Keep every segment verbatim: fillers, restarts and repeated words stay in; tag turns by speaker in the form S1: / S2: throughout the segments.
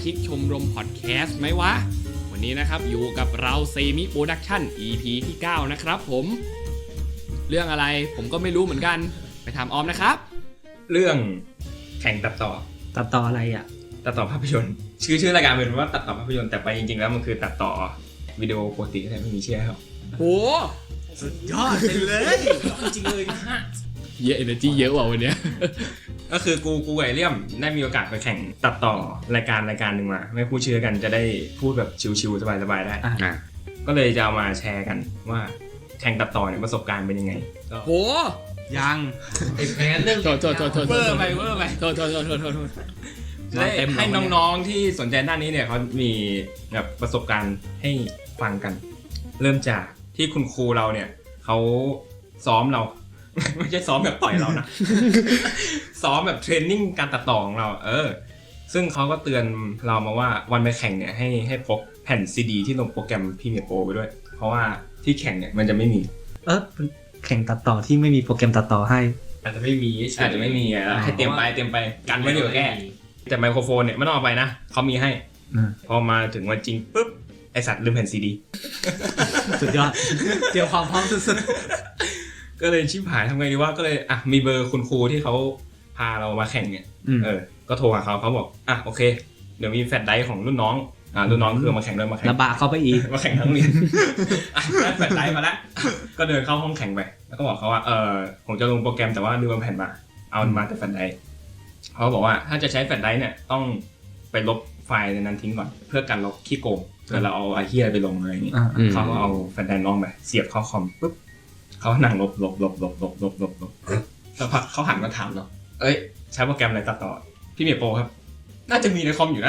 S1: ชิกชมรมพอดแคสต์ไหมวะวันนี้นะครับอยู่กับเราเซมิโปรดักชั่น อี พี ที่เก้านะครับผมเรื่องอะไรผมก็ไม่รู้เหมือนกันไปถามออมนะครับ
S2: เรื่องแข่งตัดต่อ
S3: ตัดต่ออะไรอ่ะ
S2: ตัดต่อภาพยนตร์ชื่อชื่อรายการเป็นว่าตัดต่อภาพยนตร์แต่ไปจริงๆแล้วมันคือตัดต่อวิดีโอปกติแต่ไม่มีเชื่อครับ
S1: โห
S3: สุดยอดไปเลย
S2: จริงเลยฮะ
S1: เยอะ energy เยอะว่ะวันเนี้ย
S2: ก็คือกูกูไอเลี่ยมได้มีโอกาสไปแข่งตัดต่อรายการรายการหนึ่งมาไม่พูดชื่อกันจะได้พูดแบบชิวๆสบายๆได้ก็เลยจะเอามาแชร์กันว่าแข่งตัดต่อเนี่ยประสบการณ์เป็นยังไง
S1: โห
S3: ยัง
S1: ไอ้แพ้เรื่องโทษโทษโทษโทษ
S2: เวอร์ไปเวอร์ไป
S1: โทษโทษโทษโทษโทษ
S2: ได้ให้น้องๆที่สนใจด้านนี้เนี่ยเขามีแบบประสบการณ์ให้ฟังกันเริ่มจากที่คุณครูเราเนี่ยเขาซ้อมเราไม่ใช่ซ้อมแบบต่อยเรานะซ้อมแบบเทรนนิ่งการตัดต่อของเราเออซึ่งเขาก็เตือนเรามาว่าวันไปแข่งเนี่ยให้ให้พกแผ่นซีดีที่ลงโปรแกรมพรีเมียร์โปรไปด้วยเพราะว่าที่แข่งเนี่ยมันจะไม่มี
S3: เออแข่งตัดต่อที่ไม่มีโปรแกรมตัดต่อให้
S2: อาจจะไม่มีอาจจะไม่มีอ่ะให้เตรียมไปเตรียมไปกันไว้เดี๋ยวแก้แต่ไมโครโฟนเนี่ยไม่ต้องเอาไปนะเขามีให้พอมาถึงวันจริงปุ๊บไอสัตว์ลืมแผ่นซีดี
S3: สุดยอดเตรียมความพร้อมสุด
S2: ๆก็เลยชิบหายทำไงดีว่าก็เลยอ่ะมีเบอร์คุณครูที่เขาพาเรามาแข่งเนี่ยเออก็โทรหาเขาเขาบอกอ่ะโอเคเดี๋ยวมีแฟลชไดรฟ์ของรุ่นน้องอ่ารุ่นน้องคือมาแข่งด้วยมาแข่ง
S3: ระบาเขาไปอีก
S2: มาแข่งทั้งเรียนอ่ะได้แฟลชไดรฟ์มาแล้วก็เดินเข้าห้องแข่งไปแล้วก็บอกเขาว่าเออผมจะลงโปรแกรมแต่ว่าลืมแผ่นมาเอามาแต่แฟลชไดรฟ์เขาบอกว่าถ้าจะใช้แฟลชไดรฟ์เนี่ยต้องไปลบไฟล์ในนั้นทิ้งก่อนเพื่อกันลบขี้โกงเวลาเราเอาไอ้เหี้ยไปลงอะไรอย่างงี้เขาก็เอาแฟลชไดรฟ์น้องไปเสียบเข้าคอมปุ๊บเขานั่งลบลบลบลบลบลบลบลบแล้วพักเขาหันมาถามเราเอ้ยใช้โปรแกรมอะไรตัดต่อพี่เมียโปรครับน่าจะมีในคอมอยู่นะ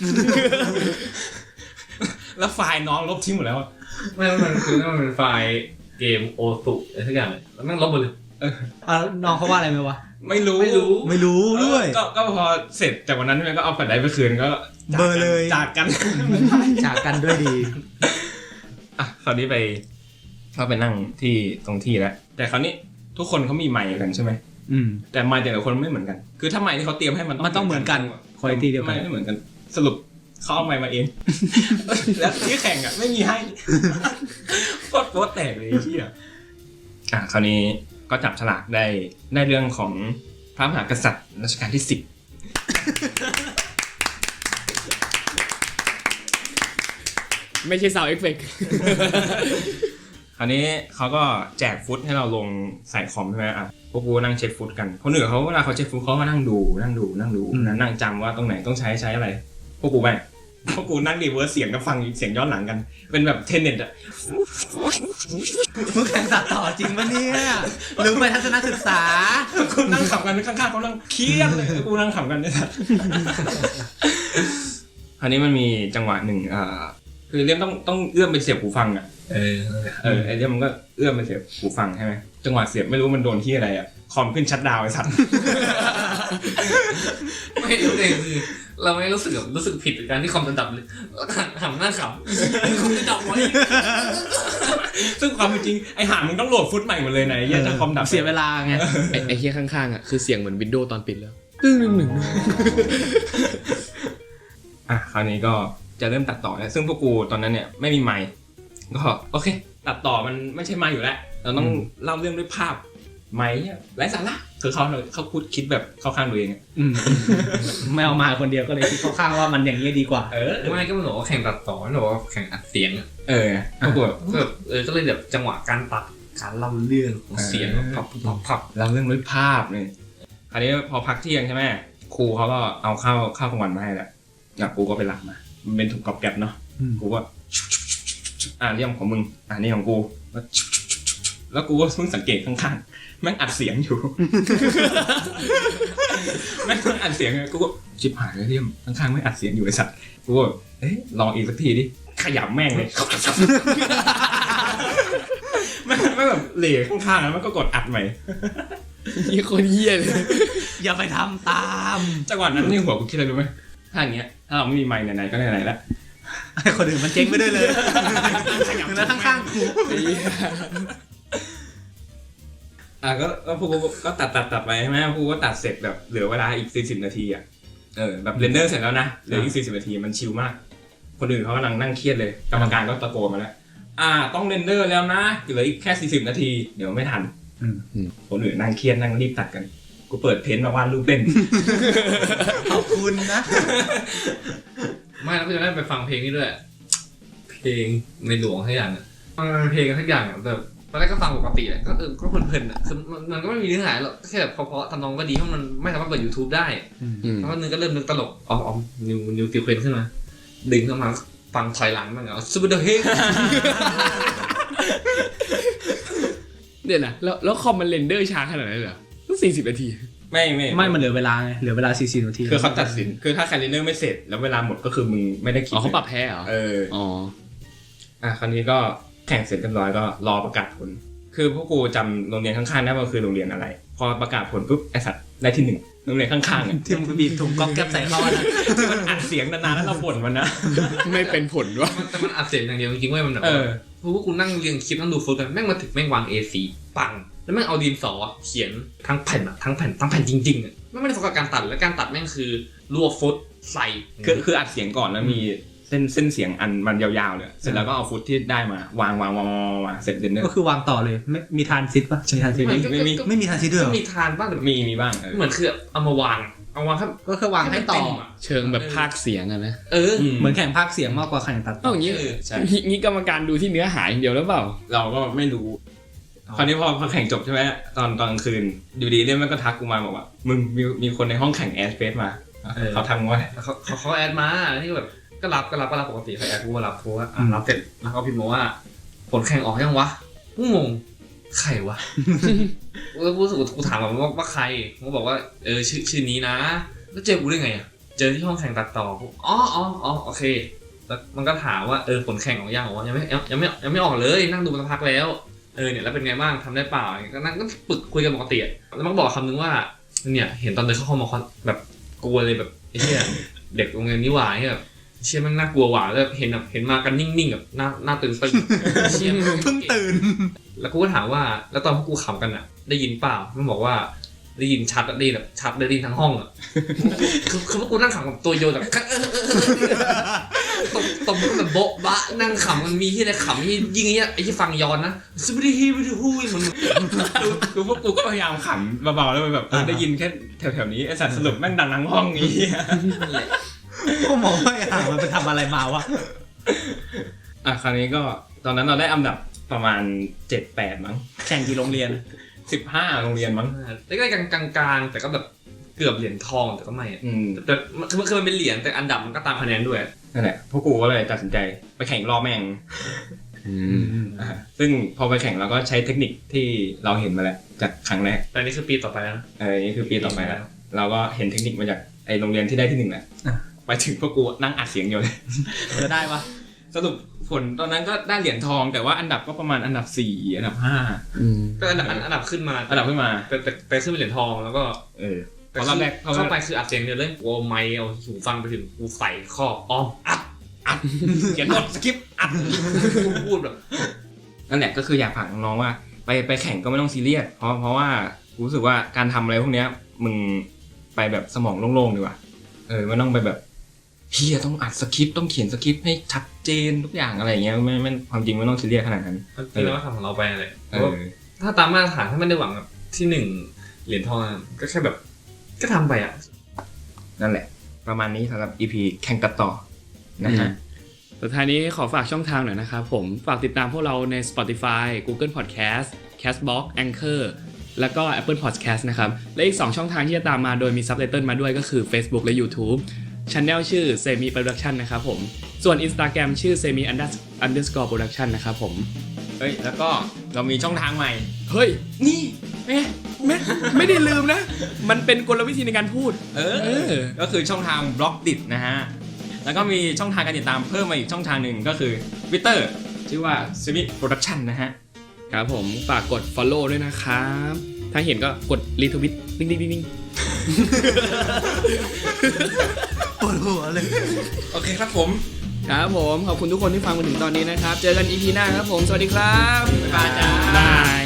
S2: แล้วไฟล์น้องลบทิ้งหมดแล้ว
S4: ไม่มันคือมันเป็นไฟล์เกมโอสุอะไรทุกอย่างเลยแล้วนั่งลบหมดเลย
S3: เออน้องเขาว่าอะไรไหมวะ
S2: ไม่รู้
S3: ไม่รู้ไม่รู้ด้วย
S2: ก็ก็พอเสร็จจากวันนั้นใช่ไหมก็เอาแฟลชไดรฟ์ไปคืนก็
S3: เบอร์เลย
S2: จากกัน
S3: จากกันด้วยดี
S2: อ่ะคราวนี้ไปเขาไปนั่งที่ตรงที่แล้วแต่คราวนี้ทุกคนเขามีไมค์กันใช่ไหม
S3: อืม
S2: แต่ไมค์แต่ละคนไม่เหมือนกันคือถ้าไมค์ที่เขาเตรียมให้มัน
S3: มันต้องเหมือนกันคุณภาพเดียวกัน
S2: ไม่เหมือนกันสรุปเขาเอาไมค์มาเองแล้วที่แข่งอ่ะไม่มีให้โคตรโคตรแตกเลยที่อ่ะอ่ะคราวนี้ก็จับฉลากได้ได้เรื่องของพระมหากษัตริย์รัชกาลที่สิบ
S1: ไม่ใช่ซาวด์เอฟเฟค
S2: คราวนี้เขาก็แจกฟุตให้เราลงใส่คอมใช่ไหมอ่ะพวกกูนั่งเช็คฟุตกันคนอื่นเขาเวลาเขาเช็คฟุตเขาก็นั่งดูนั่งดูนั่งดูนั่งจำว่าตรงไหนต้องใช้ใช้อะไรพวกกูไม่พวกกูนั่งรีเวิร์สเสียงกับฟังเสียงย้อนหลังกันเป็นแบบเทนเน็ตอะ
S3: มึงแข่งตัดต่อจริงปะเนี่ยหรือไปทัศนศึกษา
S2: กูนั่งขำกันข้างๆเขานั่งเครียดเลยกูนั่งขำกันเนี่ยคราวนี้มันมีจังหวะหนึ่งอ่าคือเรื่องต้องต้องเอื้อมไปเสียบหูฟังอะเออเออไอ้เรื่องมันก็เอื้อมไปเสียบหูฟังใช่ไหมจังหวะเสียบไม่รู้มันโดนที่อะไรอะคอมขึ้นชัตดาวน์ไอ้สัตว์
S4: ไม่รู้เลยคือเราไม่รู้สึกแบบรู้สึกผิดกับการที่คอมมันดับเลยหันหน้าขำคอมจะดับไว้
S2: ซึ่งความจริงไอ้ห่ามึงต้องโหลดฟุตใหม่หมดเลยนะไอ้เหี้ยจะคอมดับ
S3: เสียเวลาไง
S1: ไอ้ไอ้เหี้ยข้างๆอ่ะคือเสียงเหมือนวินโดว์ตอนปิดแล้วตึ้งหนึ่งหนึ่ง
S2: อ่ะคราวนี้ก็จะเริ่มตัดต่อแล้วซึ่งพวกกูตอนนั้นเนี่ยไม่มีไมค์ก็โอเคตัดต่อมันไม่ใช่ไมค์อยู่แล้วเราต้องเล่าเรื่องด้วยภาพไมค์ไร้สาระคือเขาเขาพูดคิดแบบเข้าข้างตัวเอง
S3: ไม่เอามาคนเดียวก็เลยคิดเข้าข้างว่ามันอย่างนี้ดีกว่า
S4: เออไม่ก็มันบอกว่าแข่งตัดต่อมันบอกว่าแข่งอัดเสียง
S2: เออพวกกู
S4: แบบเออก็เลยแบบจังหวะการตัดการเล่าเรื่องของเสียงพับพับพับ
S2: เล่าเรื่องด้วยภาพเนี่ยคราวนี้พอพักเที่ยงใช่ไหมครูเขาก็เอาข้าวข้าวกลางวันมาให้แหละอยากกูก็ไปรับมามันเป็นถุงกรอบแกรบเนาะกูว่าอ่าเรื่องของมึงอ่านี่ของกูแล้วกูก็เพิ่งสังเกตข้างๆแม่งอัดเสียงอยู่แม่งอัดเสียงกูก็ชิบหายเลยเรื่องข้างๆไม่อัดเสียงอยู่ไอ้สัตว์กูก็เอ๊ะลองอีกสักทีดิขยำแม่งเลยแม่งไม่แบบเหล่ข้างๆแล้วมันก็กดอัดใหม่
S1: ยี่คนเหี้ยเลย
S3: อย่าไปทำตาม
S2: จังหวะนั้นนี่หัวกูคิดอะไรรู้ไหมถ้าอย่างเงี้ยถ้าเราไม่มีไมค์ไหนๆก็ไหนๆแล้ว
S3: ให้คนอื่นมันเจ๊งไปด้วยเลยแล้วข้างๆกู
S2: อ่ะก็ก็พวกก็ตัดตัดตัดไปใช่ไหมพวกก็ตัดเสร็จแบบเหลือเวลาอีกสี่สิบนาทีอ่ะเออแบบเรนเดอร์เสร็จแล้วนะเหลืออีกสี่สิบนาทีมันชิลมากคนอื่นเขากำลังนั่งเครียดเลยกรรมการก็ตะโกนมาแล้วอ่าต้องเรนเดอร์แล้วนะเหลืออีกแค่สี่สิบนาทีเดี๋ยวไม่ทันคนอื่นนั่งเครียดนั่งรีบตัดกันกูเปิดเพนท์มาวาดรูปเล่น
S3: ขอบคุณนะ
S4: ไม่แล้วก็จะได้ไปฟังเพลงนี้ด้วยเพลงในหลวงทุกอย่างอ่ะมันเป็นเพลงกันทุกอย่างอ่ะแบบตอนแรกก็ฟังปกติแหละก็เออก็เพลินๆอ่ะคือมันก็ไม่มีเนื้อหาหรอกแค่แบบเพราะๆทำนองก็ดีเพราะมันไม่สามารถเปิด YouTube ได้แล้วก็นึงก็เริ่มนึกตลกอ๋ออ๋อนิวนิวติวเควนขึ้นมาดึงเข้ามาฟังถอยหลังมันเหรอซูเปอร์เดอะเฮก
S1: เดี๋ยวนะแล้วแล้วคอมมันเรนเดอร์ช้าขนาดนั้นเหรอต้องสี่สิบนาที
S2: ไม่ไม่
S3: ไม่มันเหลือเวลาไงเหลือเวลาสี่สิบนาที
S2: คือเขาตัดสินคือถ้าใครเรนเดอร์ไม่เสร็จแล้วเวลาหมดก็คือมึงไม่ได้คิด
S1: อ๋อเขาปรับแพ้เหรอ
S2: เออ
S1: อ๋อ
S2: อ่ะคราวนี้ก็แข่งเสร็จเรียบร้อยก็รอประกาศผลคือพวกกูจำโรงเรียนข้างๆได้ว่าคือโรงเรียนอะไรพอประกาศผลปุ๊บไอสัตว์ได้ที่หนึ่งโรงเรียนข้างๆอ่ะ
S3: ที่มันบีบถุงก๊อกแก๊บใส่เข้านะ
S2: ที่มันอัดเสียงนานๆแล้วเราบ่นมันนะ
S1: ไม่เป็นผลวะ
S4: มันแต่มันอัดเสียงอย่างเดียวจริงๆเว้ยมันแบบ
S2: เออ
S4: เพราะว่ากูนั่งเรียงคลิปนั่งดูฟุตกันแม่งมาถึงแม่งวาง เอ สี่ ปังแล้วแม่งเอาดินสอเขียนทั้งแผ่นอะทั้งแผ่นทั้งแผ่นจริงๆอะแม่งไม่ได้โฟกัสการตัดแล้วการตัดแม่งคือรวบฟุตใส่
S2: คือคืออัดเสียงก่อนแล้วมีเส้นเส้นเสียงอันมันยาวๆเลยเสร็จแล้วก็เอาฟุตที่ได้มาวางวางวางวางวางเสร็จเรนเดอร์
S3: ก็คือวางต่อเลยไม่มีทานซิดปะมีทานซิด
S2: ไม่ไม่มี
S3: ไม่มีทานซิดด้วยเหรอ
S4: มีทานบ้างแต่
S2: มีมีบ้างเออ
S4: เหมือนคือเอามาวางเอาวางแค่
S3: ก็คือวางให้ต่อ
S1: เชิงแบบภาคเสียงอะนะ
S4: เออ
S3: เหมือนแข่งภาคเสียงมากกว่าแข่งตัดต่
S1: เอ้า
S3: อ
S1: อย่างนี้
S4: เออ
S2: ใช่
S1: งี้งี้กรรมการดูที่เนื้อหาอย่างเดียวหรือเปล่า
S2: เราก็ไม่รู้คราวนี้พอพอแข่งจบใช่ไหมตอนตอนกลางคืนอยู่ดีเนี่ยมันก็ทักกูมาบอกว่ามึงมีมีคนในห้องแข่งแอสเฟสมาเขาทำว่า
S4: แล้วเขาเขาเขาแอดมาที่แบบก็รับก็รับก็รับปกติเขาแอดกูมารับกูว่าอ่ะรับเสร็จแล้วเขาพิมพ์มาว่าผลแข่งออกยังวะกูงงใครวะ แล้วกูรู้สึกกูถามแบบว่าว่าใครเขาบอกว่าเออชื่อชื่อนี้นะแล้วเจอกูได้ไงอ่ะเจอที่ห้องแข่งตัดต่อกูอ๋ออ๋ออ๋อโอเคแล้วมันก็ถามว่าเออผลแข่งออกยังบอกว่ายังไม่ยังไม่ยังไม่ออกเลยนั่งดูมาสักพักแล้วเออเนี่ยแล้วเป็นไงบ้างทำได้เปล่าก็นั่งก็ปึกคุยกันปกติแล้วมันก็บอกคำนึงว่าเนี่ยเห็นตอนเดินเข้าห้องมาแบบกลัวเลยแบบไอ้เหี้ยเด็กโรงเรียนนี่หว่าแบบเชี่ยมันน่ากลัวหว่าแล้วเห็นแบบเห็นมากันนิ่งๆแบบหน้าหน้าตื่นตึงเชี่ย
S3: เพิ่งตื่น
S4: แล้วกูก็ถามว่าแล้วตอนพวกกูขำกันอ่ะได้ยินเปล่ามันบอกว่าได้ยินชัดอะได้ยินแบบชัดได้ยินทั้งห้องอ่ะคือคือพวกกูนั่งขำกับตัวโยนแบบตบตบมันแบบโบ๊ะบะนั่งขำมันมีที่ไหนขำที่ยิ่งไอ้ไอ้ที่ฟังย้อนนะสวัสดีฮีสวัสดีฮู้มัน
S2: ดูพวกกูก็พยายามขำเบาๆแล้วแบบได้ยินแค่แถวๆนี้ไอสัตว์สรุปแม่งดังทั้งห้องนี้
S3: ก็มองว่าอ่ะมันไปทำอะไรมาวะ
S2: อ่ะคราวนี้ก็ตอนนั้นเราได้อันดับประมาณ เจ็ดแปด มั้ง
S3: แข่งกี่โรงเรียน
S2: สิบห้าโรงเรียนมั้ง
S4: แล้วก็กลางกลางๆแต่ก็แบบเกือบเหรียญทองแต่ก็ไม่
S2: อืม
S4: แต่คือคือมันเป็นเหรียญแต่อันดับมันก็ตามคะแนนด้วย
S2: นั่นแหละพวกกูก็เลยตัดสินใจไปแข่งรอบแม่ง
S1: อืม
S2: อ่าซึ่งพอไปแข่งเราก็ใช้เทคนิคที่เราเห็นมาแล้วจากครั้งแรก
S4: แต่นี่คือปีต่อไปแล้วนะ
S2: เออนี่คือปีต่อไปแล้วเราก็เห็นเทคนิคมาจากไอโรงเรียนที่ได้ที่หนึ่งแหละไปถึงพวกกูนั่งอัดเสียงอยู่เลย
S3: จะได้ปะ
S2: สรุปผลตอนนั้นก็ได้เหรียญทองแต่ว่าอันดับก็ประมาณอันดับสี่อันดับห้า
S1: อืม
S4: ก็อันดับอันดับขึ้นมา
S2: อันดับขึ้นมา
S4: แต่แต่แต่ขึ้นเป็นเหรียญทองแล้วก็
S2: เออ
S4: แต่
S2: พอรอบแรกพอรอบ
S4: เข้า
S2: แร
S4: ไป
S2: ก
S4: คืออัดเสียงเดียวเลยโอ้ไมค์เอาหูฟังไปถึงกูใส่ข้ออ้อมอัด
S2: เขียนบทสคริปต์อัด
S4: กูพูดแบบ
S2: นั่นแหละก็คืออยากฝากน้องๆว่าไปไปแข่งก็ไม่ต้องซีเรียสเพราะเพราะว่ารู้สึกว่าการทำอะไรพวกเนี้ยมึงไปแบบสมองโล่งๆดีกว่าเออไม่ต้องไปแบบเฮียต้องอัดสคริปต์ต้องเขียนสคริปต์ให้ชัดเจนทุกอย่างอะไรเงี้ยไม่ไม่ความจริงไม่ต้องซีเรียสขนาดนั้น
S4: จริงๆแล้วก็ทำของเราไปเลย
S2: เออ
S4: ถ้าตามมาตรฐานถ้าไม่ได้หวังแบบที่หนึ่งเหรียญทองก็แค่แบบก็ทำไปอ่ะ
S2: นั่นแหละ ประมาณนี้สำหรับ อี พี แข่งตัดต่อนะฮะ
S1: สุดท้ายนี้ขอฝากช่องทางหน่อยนะครับผมฝากติดตามพวกเราใน Spotify Google Podcast Castbox Anchor แล้วก็ Apple Podcast นะครับและอีกสองช่องทางที่จะตามมาโดยมี Subtitle มาด้วยก็คือ Facebook และ YouTube Channel ชื่อ Semi Production นะครับผมส่วน Instagram ชื่อ Semi Underscore Production นะครับผม
S2: เฮ้ยแล้วก็เรามีช่องทางใหม่
S1: เฮ้ย
S2: นี่เอ๊ะ
S1: ไม่ไม่ได้ลืมนะ มันเป็นกลวิธีในการพูด
S2: เออ ก็คือช่องทางบล็อกดินะฮะ แล้วก็มีช่องทางการติดตามเพิ่มมาอีกช่องทางหนึ่งก็คือ Twitter ชื่อว่า Semi Production นะฮะ
S1: ครับผมฝากกด follow ด้วยนะครับ ถ้าเห็นก็กด retweet ดิ้งดิ้งดิ้ง
S3: ปวดหัวเลย
S2: โอเคครับผม
S1: ครับผมขอบคุณทุกคนที่ฟังมาถึงตอนนี้นะครับ เจอกัน อี พี หน้าครับผม สวัสดีครับ
S2: บ๊ายบายจ้า
S1: บาย